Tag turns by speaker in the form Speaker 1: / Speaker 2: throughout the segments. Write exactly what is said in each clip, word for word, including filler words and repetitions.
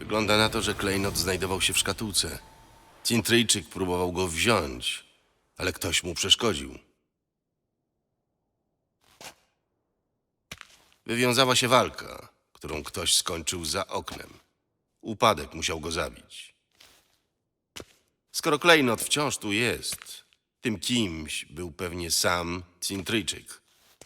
Speaker 1: Wygląda na to, że klejnot znajdował się w szkatułce. Cintryjczyk próbował go wziąć, ale ktoś mu przeszkodził. Wywiązała się walka, którą ktoś skończył za oknem. Upadek musiał go zabić. Skoro klejnot wciąż tu jest, tym kimś był pewnie sam Cintryjczyk.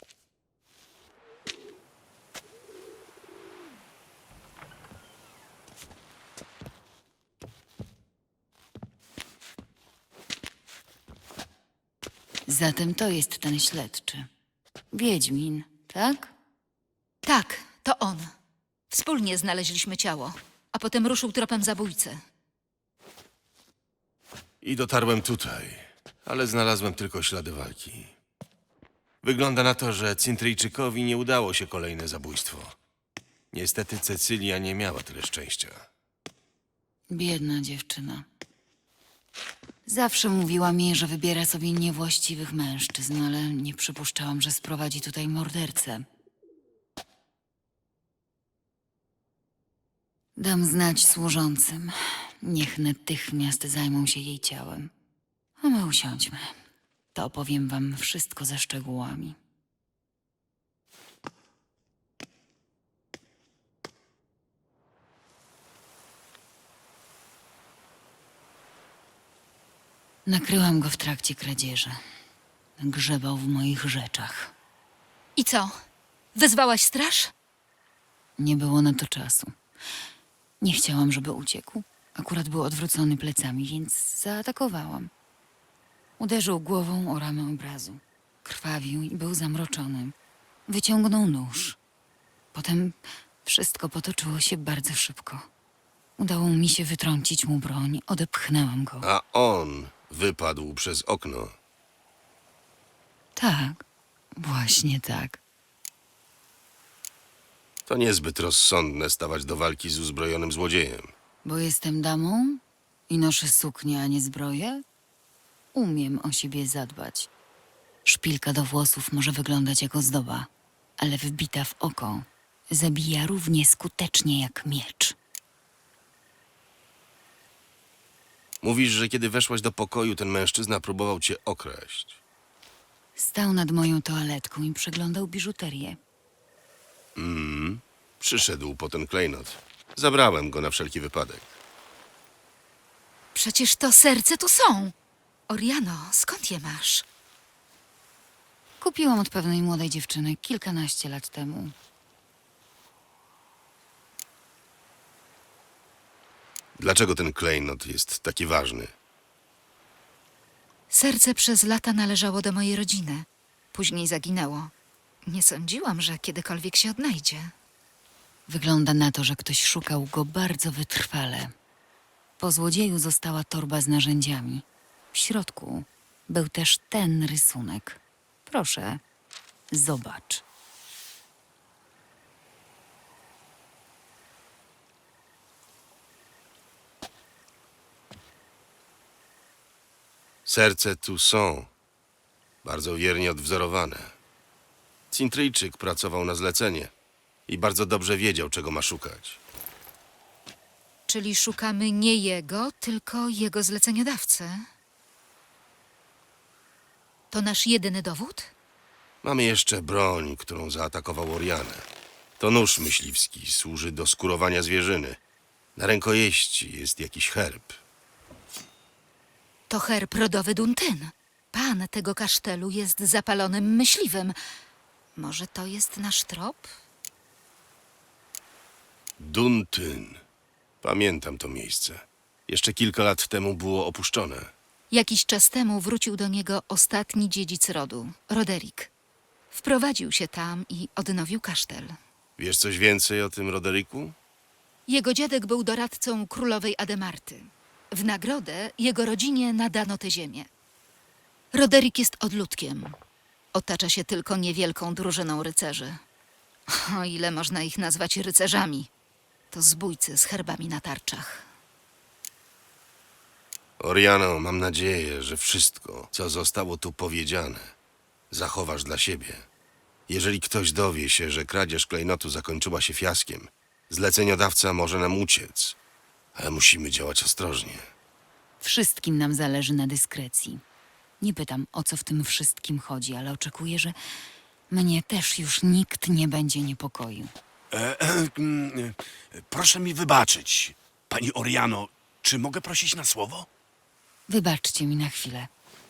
Speaker 2: Zatem to jest ten śledczy. Wiedźmin, tak?
Speaker 3: Tak, to on. Wspólnie znaleźliśmy ciało, a potem ruszył tropem zabójcy.
Speaker 1: I dotarłem tutaj, ale znalazłem tylko ślady walki. Wygląda na to, że Cintryjczykowi nie udało się kolejne zabójstwo. Niestety Cecylia nie miała tyle szczęścia.
Speaker 2: Biedna dziewczyna. Zawsze mówiła mi, że wybiera sobie niewłaściwych mężczyzn, ale nie przypuszczałam, że sprowadzi tutaj mordercę. Dam znać służącym. Niech natychmiast zajmą się jej ciałem. A my usiądźmy. To opowiem wam wszystko ze szczegółami. Nakryłam go w trakcie kradzieży. Grzebał w moich rzeczach.
Speaker 3: I co? Wezwałaś straż?
Speaker 2: Nie było na to czasu. Nie chciałam, żeby uciekł. Akurat był odwrócony plecami, więc zaatakowałam. Uderzył głową o ramę obrazu. Krwawił i był zamroczony. Wyciągnął nóż. Potem wszystko potoczyło się bardzo szybko. Udało mi się wytrącić mu broń, odepchnęłam go.
Speaker 1: A on wypadł przez okno.
Speaker 2: Tak, właśnie tak.
Speaker 1: To niezbyt rozsądne stawać do walki z uzbrojonym złodziejem.
Speaker 2: Bo jestem damą i noszę suknię, a nie zbroję? Umiem o siebie zadbać. Szpilka do włosów może wyglądać jak ozdoba, ale wbita w oko zabija równie skutecznie jak miecz.
Speaker 1: Mówisz, że kiedy weszłaś do pokoju, ten mężczyzna próbował cię okraść.
Speaker 2: Stał nad moją toaletką i przeglądał biżuterię.
Speaker 1: Przyszedł po ten klejnot. Zabrałem go na wszelki wypadek.
Speaker 3: Przecież to serce tu są. Oriano, skąd je masz?
Speaker 2: Kupiłam od pewnej młodej dziewczyny kilkanaście lat temu.
Speaker 1: Dlaczego ten klejnot jest taki ważny?
Speaker 3: Serce przez lata należało do mojej rodziny. Później zaginęło. Nie sądziłam, że kiedykolwiek się odnajdzie.
Speaker 2: Wygląda na to, że ktoś szukał go bardzo wytrwale. Po złodzieju została torba z narzędziami. W środku był też ten rysunek. Proszę, zobacz.
Speaker 1: Serce tu są. Bardzo wiernie odwzorowane. Cintryjczyk pracował na zlecenie i bardzo dobrze wiedział, czego ma szukać.
Speaker 3: Czyli szukamy nie jego, tylko jego zleceniodawcy. To nasz jedyny dowód?
Speaker 1: Mamy jeszcze broń, którą zaatakował Orianę. To nóż myśliwski, służy do skurowania zwierzyny. Na rękojeści jest jakiś herb.
Speaker 3: To herb rodowy Duntyn. Pan tego kasztelu jest zapalonym myśliwym. Może to jest nasz trop?
Speaker 1: Duntyn. Pamiętam to miejsce. Jeszcze kilka lat temu było opuszczone.
Speaker 3: Jakiś czas temu wrócił do niego ostatni dziedzic rodu, Roderick. Wprowadził się tam i odnowił kasztel.
Speaker 1: Wiesz coś więcej o tym Roderiku?
Speaker 3: Jego dziadek był doradcą królowej Ademarty. W nagrodę jego rodzinie nadano tę ziemię. Roderick jest odludkiem. Otacza się tylko niewielką drużyną rycerzy. O ile można ich nazwać rycerzami. To zbójcy z herbami na tarczach.
Speaker 1: Oriano, mam nadzieję, że wszystko, co zostało tu powiedziane, zachowasz dla siebie. Jeżeli ktoś dowie się, że kradzież klejnotu zakończyła się fiaskiem, zleceniodawca może nam uciec Ale musimy działać ostrożnie.
Speaker 2: Wszystkim nam zależy na dyskrecji. Nie pytam, o co w tym wszystkim chodzi, ale oczekuję, że mnie też już nikt nie będzie niepokoił.
Speaker 4: E, e, mm, e, proszę mi wybaczyć, pani Oriano. Czy mogę prosić na słowo?
Speaker 2: Wybaczcie mi na chwilę.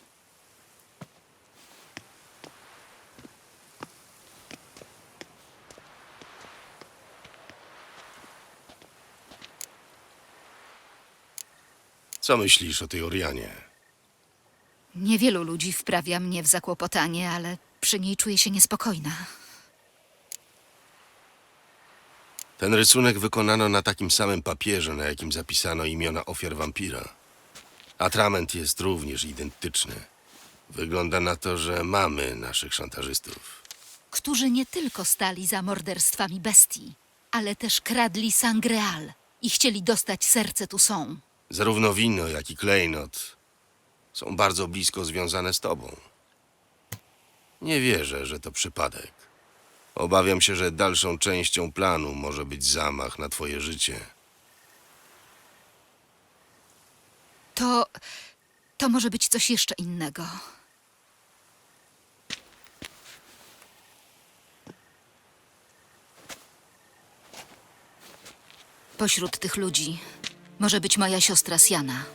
Speaker 1: Co myślisz o tej Orianie?
Speaker 3: Niewielu ludzi wprawia mnie w zakłopotanie, ale przy niej czuję się niespokojna.
Speaker 1: Ten rysunek wykonano na takim samym papierze, na jakim zapisano imiona ofiar wampira. Atrament jest również identyczny. Wygląda na to, że mamy naszych szantażystów.
Speaker 3: Którzy nie tylko stali za morderstwami bestii, ale też kradli Sangreal i chcieli dostać serce Toussaint.
Speaker 1: Zarówno wino, jak i klejnot są bardzo blisko związane z tobą. Nie wierzę, że to przypadek. Obawiam się, że dalszą częścią planu może być zamach na twoje życie.
Speaker 3: To... to może być coś jeszcze innego. Pośród tych ludzi może być moja siostra Siana.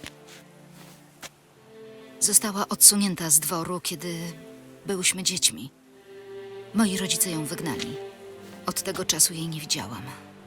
Speaker 3: Została odsunięta z dworu, kiedy byłyśmy dziećmi. Moi rodzice ją wygnali. Od tego czasu jej nie widziałam.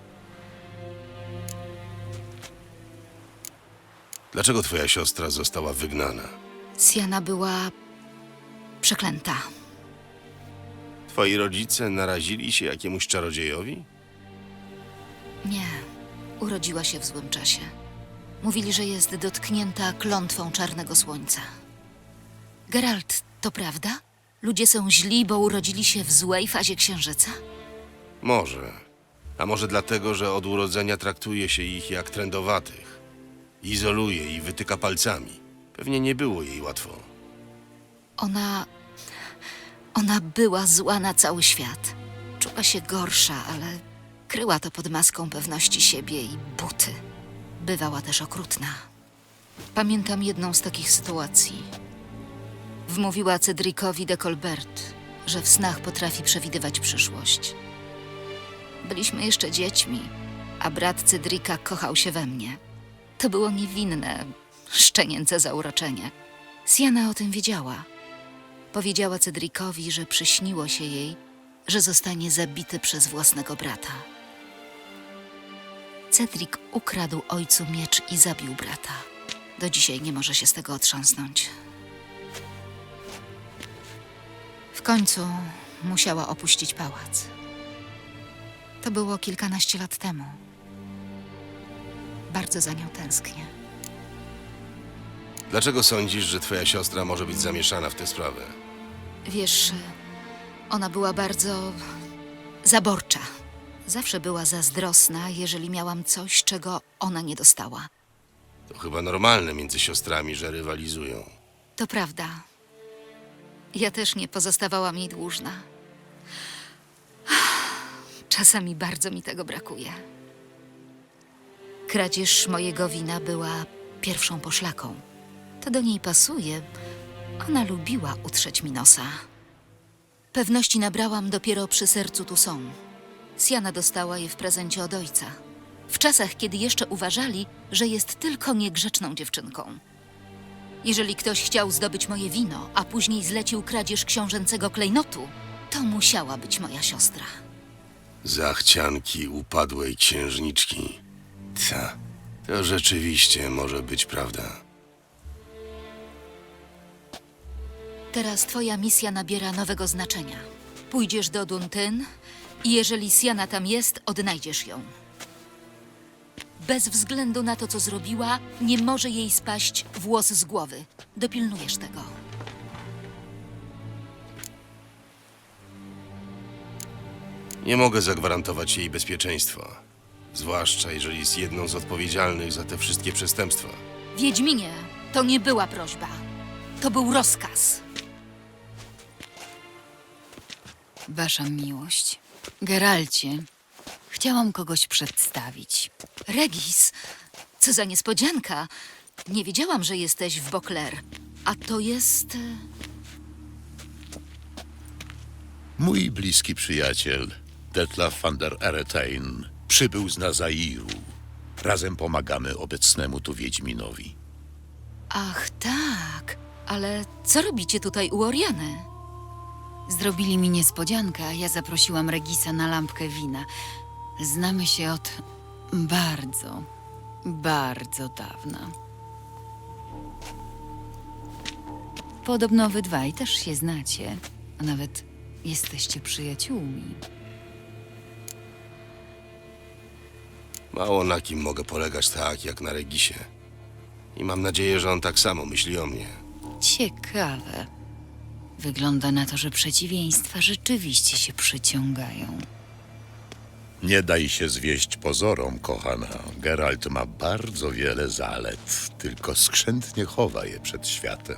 Speaker 1: Dlaczego twoja siostra została wygnana?
Speaker 3: Siana była przeklęta.
Speaker 1: Twoi rodzice narazili się jakiemuś czarodziejowi?
Speaker 3: Nie, urodziła się w złym czasie. Mówili, że jest dotknięta klątwą czarnego słońca. Geralt, to prawda? Ludzie są źli, bo urodzili się w złej fazie księżyca?
Speaker 1: Może. A może dlatego, że od urodzenia traktuje się ich jak trędowatych. Izoluje i wytyka palcami. Pewnie nie było jej łatwo.
Speaker 3: Ona... Ona była zła na cały świat. Czuła się gorsza, ale kryła to pod maską pewności siebie i buty. Bywała też okrutna. Pamiętam jedną z takich sytuacji. Wmówiła Cedricowi de Colbert, że w snach potrafi przewidywać przyszłość. Byliśmy jeszcze dziećmi, a brat Cedrika kochał się we mnie. To było niewinne, szczenięce zauroczenie. Siana o tym wiedziała. Powiedziała Cedricowi, że przyśniło się jej, że zostanie zabity przez własnego brata. Cedric ukradł ojcu miecz i zabił brata. Do dzisiaj nie może się z tego otrząsnąć. W końcu musiała opuścić pałac. To było kilkanaście lat temu. Bardzo za nią tęsknię.
Speaker 1: Dlaczego sądzisz, że twoja siostra może być zamieszana w tę sprawę?
Speaker 3: Wiesz, ona była bardzo zaborcza. Zawsze była zazdrosna, jeżeli miałam coś, czego ona nie dostała.
Speaker 1: To chyba normalne między siostrami, że rywalizują.
Speaker 3: To prawda. Ja też nie pozostawałam jej dłużna. Czasami bardzo mi tego brakuje. Kradzież mojego wina była pierwszą poszlaką. To do niej pasuje. Ona lubiła utrzeć mi nosa. Pewności nabrałam dopiero przy sercu Toussaint. Siana dostała je w prezencie od ojca. W czasach, kiedy jeszcze uważali, że jest tylko niegrzeczną dziewczynką. Jeżeli ktoś chciał zdobyć moje wino, a później zlecił kradzież książęcego klejnotu, to musiała być moja siostra.
Speaker 1: Zachcianki upadłej księżniczki. Ta, to rzeczywiście może być prawda.
Speaker 3: Teraz twoja misja nabiera nowego znaczenia. Pójdziesz do Duntyn i jeżeli Siana tam jest, odnajdziesz ją. Bez względu na to, co zrobiła, nie może jej spaść włos z głowy. Dopilnujesz tego.
Speaker 1: Nie mogę zagwarantować jej bezpieczeństwa. Zwłaszcza jeżeli jest jedną z odpowiedzialnych za te wszystkie przestępstwa.
Speaker 3: Wiedźminie, to nie była prośba. To był rozkaz.
Speaker 2: Wasza miłość. Geralcie, chciałam kogoś przedstawić.
Speaker 3: Regis, Co za niespodzianka. Nie wiedziałam, że jesteś w Beauclair. A to jest... e,
Speaker 5: Mój bliski przyjaciel, Detlaf van der Eretain, przybył z Nazairu. Razem pomagamy obecnemu tu Wiedźminowi.
Speaker 3: Ach, tak. Ale co robicie tutaj u Oriany?
Speaker 2: Zrobili mi niespodziankę, a ja zaprosiłam Regisa na lampkę wina. Znamy się od bardzo, bardzo dawna. Podobno wy dwaj też się znacie, a nawet jesteście przyjaciółmi.
Speaker 1: Mało na kim mogę polegać tak, jak na Regisie. I mam nadzieję, że on tak samo myśli o mnie.
Speaker 2: Ciekawe. Wygląda na to, że przeciwieństwa rzeczywiście się przyciągają.
Speaker 5: Nie daj się zwieść pozorom, kochana. Geralt ma bardzo wiele zalet, tylko skrzętnie chowa je przed światem.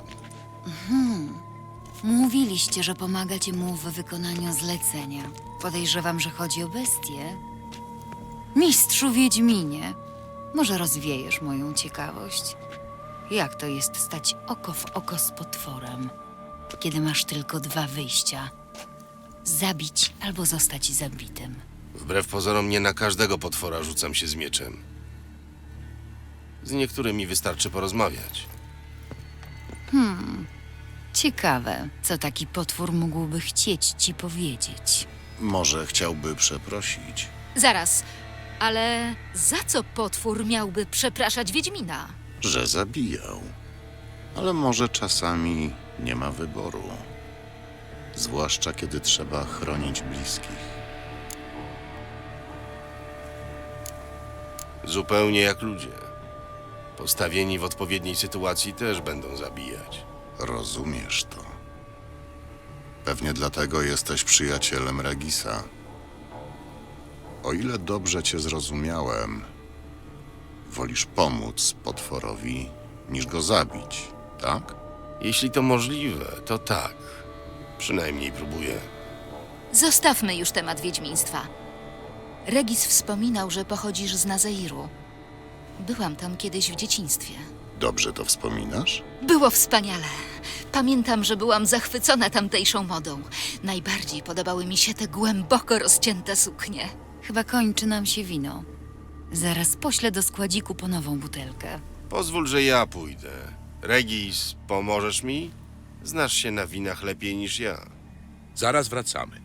Speaker 2: Mówiliście, że pomagacie mu w wykonaniu zlecenia. Podejrzewam, że chodzi o bestię. Mistrzu Wiedźminie, może rozwiejesz moją ciekawość? Jak to jest stać oko w oko z potworem, kiedy masz tylko dwa wyjścia? Zabić albo zostać zabitym.
Speaker 1: Wbrew pozorom nie na każdego potwora rzucam się z mieczem. Z niektórymi wystarczy porozmawiać.
Speaker 2: Ciekawe, co taki potwór mógłby chcieć ci powiedzieć.
Speaker 6: Może chciałby przeprosić.
Speaker 3: Zaraz, ale za co potwór miałby przepraszać Wiedźmina?
Speaker 6: Że zabijał. Ale może czasami nie ma wyboru. Zwłaszcza kiedy trzeba chronić bliskich.
Speaker 1: Zupełnie jak ludzie. Postawieni w odpowiedniej sytuacji też będą zabijać.
Speaker 6: Rozumiesz to. Pewnie dlatego jesteś przyjacielem Regisa. O ile dobrze cię zrozumiałem, wolisz pomóc potworowi niż go zabić, tak?
Speaker 1: Jeśli to możliwe, to tak. Przynajmniej próbuję.
Speaker 3: Zostawmy już temat wiedźmiństwa. Regis wspominał, że pochodzisz z Nazairu. Byłam tam kiedyś w dzieciństwie.
Speaker 6: Dobrze to wspominasz?
Speaker 3: Było wspaniale. Pamiętam, że byłam zachwycona tamtejszą modą. Najbardziej podobały mi się te głęboko rozcięte suknie.
Speaker 2: Chyba kończy nam się wino. Zaraz poślę do składziku po nową butelkę.
Speaker 1: Pozwól, że ja pójdę. Regis, pomożesz mi? Znasz się na winach lepiej niż ja.
Speaker 5: Zaraz wracamy.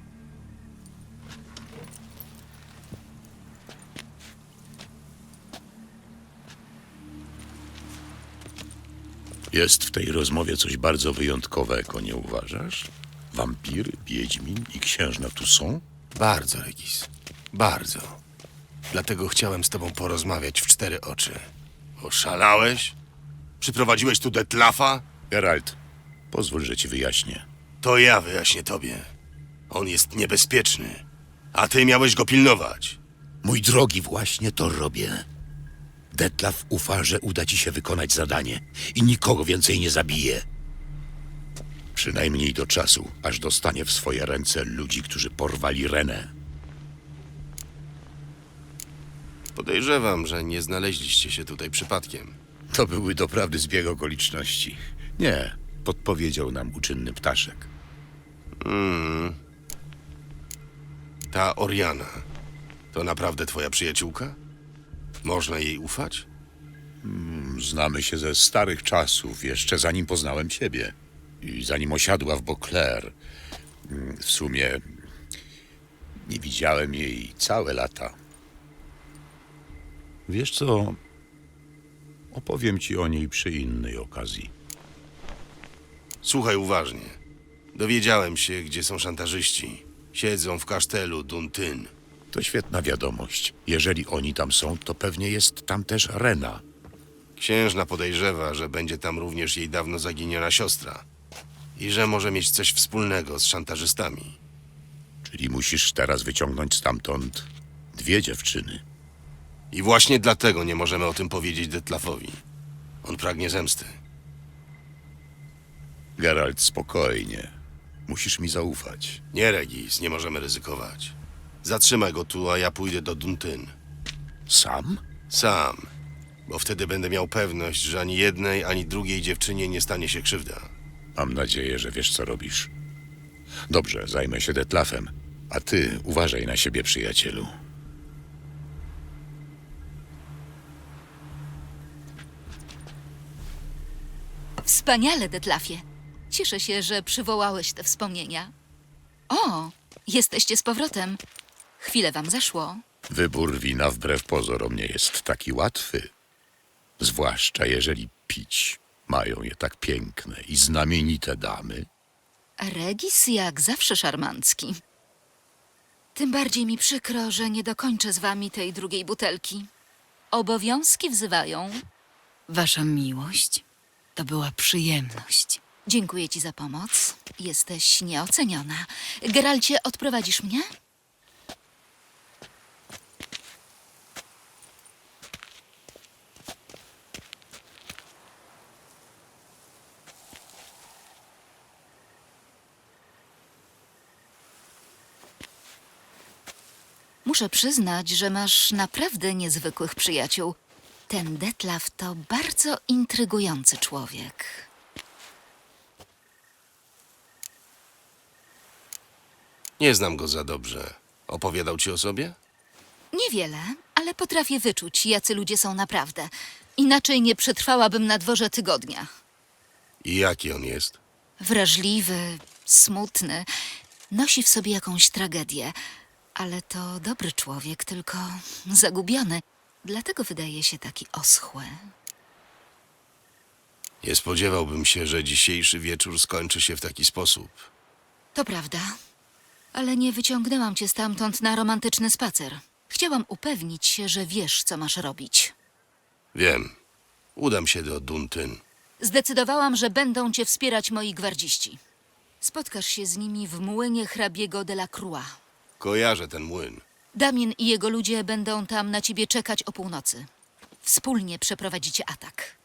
Speaker 5: Jest w tej rozmowie coś bardzo wyjątkowego, nie uważasz? Wampiry, wiedźmin i księżna tu są?
Speaker 1: Bardzo, Regis. Bardzo. Dlatego chciałem z tobą porozmawiać w cztery oczy. Oszalałeś? Przyprowadziłeś tu Detlafa?
Speaker 5: Geralt, pozwól, że ci wyjaśnię.
Speaker 1: To ja wyjaśnię tobie. On jest niebezpieczny, a ty miałeś go pilnować.
Speaker 5: Mój drogi, właśnie to robię. Detlaf ufa, że uda ci się wykonać zadanie i nikogo więcej nie zabije. Przynajmniej do czasu, aż dostanie w swoje ręce ludzi, którzy porwali Renę.
Speaker 1: Podejrzewam, że nie znaleźliście się tutaj przypadkiem.
Speaker 5: To były doprawdy zbieg okoliczności. Nie, podpowiedział nam uczynny ptaszek.
Speaker 1: Ta Oriana, to naprawdę twoja przyjaciółka? Można jej ufać?
Speaker 5: Znamy się ze starych czasów, jeszcze zanim poznałem ciebie. I zanim osiadła w Beauclair. W sumie nie widziałem jej całe lata. Wiesz co? Opowiem ci o niej przy innej okazji.
Speaker 1: Słuchaj uważnie. Dowiedziałem się, gdzie są szantażyści. Siedzą w kasztelu Duntyn.
Speaker 5: To świetna wiadomość. Jeżeli oni tam są, to pewnie jest tam też Rena.
Speaker 1: Księżna podejrzewa, że będzie tam również jej dawno zaginiona siostra. I że może mieć coś wspólnego z szantażystami.
Speaker 5: Czyli musisz teraz wyciągnąć stamtąd dwie dziewczyny.
Speaker 1: I właśnie dlatego nie możemy o tym powiedzieć Detlafowi. On pragnie zemsty.
Speaker 5: Geralt, spokojnie. Musisz mi zaufać.
Speaker 1: Nie, Regis, nie możemy ryzykować. Zatrzymaj go tu, a ja pójdę do Duntyn.
Speaker 5: Sam?
Speaker 1: Sam. bo wtedy będę miał pewność, że ani jednej, ani drugiej dziewczynie nie stanie się krzywda.
Speaker 5: Mam nadzieję, że wiesz, co robisz. Dobrze, zajmę się Detlafem, a ty uważaj na siebie, przyjacielu.
Speaker 3: Wspaniale, Detlafie. Cieszę się, że przywołałeś te wspomnienia. O, jesteście z powrotem. Chwilę wam zeszło.
Speaker 5: Wybór wina wbrew pozorom nie jest taki łatwy. Zwłaszcza jeżeli pić mają je tak piękne i znamienite damy.
Speaker 3: Regis jak zawsze szarmancki. Tym bardziej mi przykro, że nie dokończę z wami tej drugiej butelki. Obowiązki wzywają.
Speaker 2: Wasza miłość to była przyjemność.
Speaker 3: Dziękuję ci za pomoc. Jesteś nieoceniona. Geralcie, odprowadzisz mnie? Muszę przyznać, że masz naprawdę niezwykłych przyjaciół. Ten Detlaf to bardzo intrygujący człowiek.
Speaker 1: Nie znam go za dobrze. Opowiadał ci o sobie?
Speaker 3: Niewiele, ale potrafię wyczuć, jacy ludzie są naprawdę. Inaczej nie przetrwałabym na dworze tygodnia.
Speaker 1: I jaki on jest?
Speaker 3: Wrażliwy, smutny, nosi w sobie jakąś tragedię. Ale to dobry człowiek, tylko zagubiony. Dlatego wydaje się taki oschły.
Speaker 1: Nie spodziewałbym się, że dzisiejszy wieczór skończy się w taki sposób.
Speaker 3: To prawda, ale nie wyciągnęłam cię stamtąd na romantyczny spacer. Chciałam upewnić się, że wiesz, co masz robić.
Speaker 1: Wiem. Udam się do Duntyn.
Speaker 3: Zdecydowałam, że będą cię wspierać moi gwardziści. Spotkasz się z nimi w młynie hrabiego de la Croix.
Speaker 1: Kojarzę ten młyn.
Speaker 3: Damien i jego ludzie będą tam na ciebie czekać o północy. Wspólnie przeprowadzicie atak.